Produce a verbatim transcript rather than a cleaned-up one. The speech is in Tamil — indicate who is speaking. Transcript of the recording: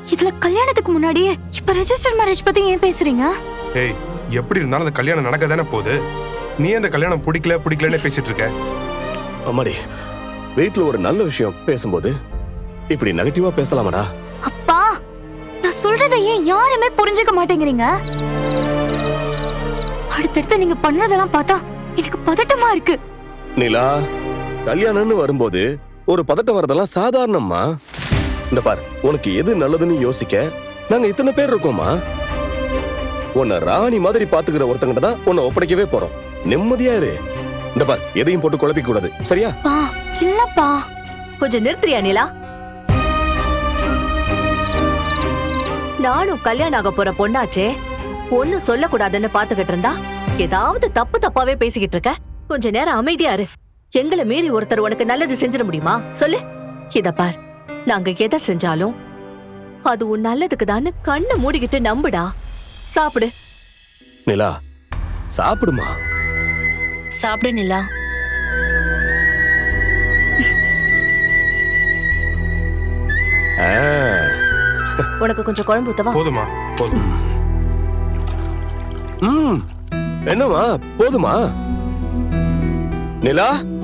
Speaker 1: இதுல கல்யாணத்துக்கு முன்னாடியே இப்ப ரெஜிஸ்டர் மேரேஜ் பத்தி ஏன் பேசுறீங்க?
Speaker 2: ஏய், எப்படி இருந்தாலும் அந்த கல்யாணம் நடக்க தானே போகுது. நீ அந்த கல்யாணம் பிடிக்கல பிடிக்கலன்னு பேசிட்டு இருக்க.
Speaker 3: அம்மாடி, வீட்டுல ஒரு நல்ல விஷயம் பேசும்போது இப்படி நெகட்டிவா பேசலாமாடா?
Speaker 1: அப்பா, நான் சொல்றதை ஏன் யாருமே புரிஞ்சுக்க மாட்டேங்கிறீங்க? அடுத்தடுத்து நீங்க பண்றதெல்லாம் பார்த்தா எனக்கு பதட்டமா இருக்கு.
Speaker 3: நிலா, கல்யாணம்னு வரும்போது ஒரு பதட்டம் வரதெல்லாம் சாதாரணம்மா. இந்த பார், உனக்கு எது நல்லதுன்னு யோசிக்க நாங்க இத்தனை பேர் இருக்கோமா. உன்னை ராணி மாதிரி பாத்துக்கிற ஒருத்தங்கிட்ட தான் உன்னை ஒப்படைக்கவே போறோம். நிம்மதியா இரு. இந்த பார், எதையும் போட்டு குழப்பிக்க கூடாது, சரியா?
Speaker 1: பா, இல்லப்பா.
Speaker 4: கொஞ்சம் நிறுத்துறியா நிலா? நானும் கல்யாணம் ஆக போற பொண்ணாச்சே, ஒண்ணு சொல்லக்கூடாதுன்னு பாத்துக்கிட்டு இருந்தா ஏதாவது தப்பு தப்பாவே பேசிக்கிட்டு இருக்க. கொஞ்ச நேரம் அமைதியா இரு. எங்களை மீறி ஒருத்தர் உனக்கு நல்லது செஞ்சிட முடியுமா சொல்லு? இத பார், நாங்க எதை செஞ்சாலும் அது உன் நல்லதுக்கு தான் கண்ணை மூடிக்கிட்டு நம்புடா. சாப்பிடு.
Speaker 3: நிலா, சாப்பிடுமா.
Speaker 1: சாப்பிடு நிலா.
Speaker 3: ஆ,
Speaker 4: உனக்கு கொஞ்சம் குழம்பு ஊத்தவா?
Speaker 2: போதுமா, போதும்.
Speaker 3: ம், என்னம்மா, போதுமா? நிலா,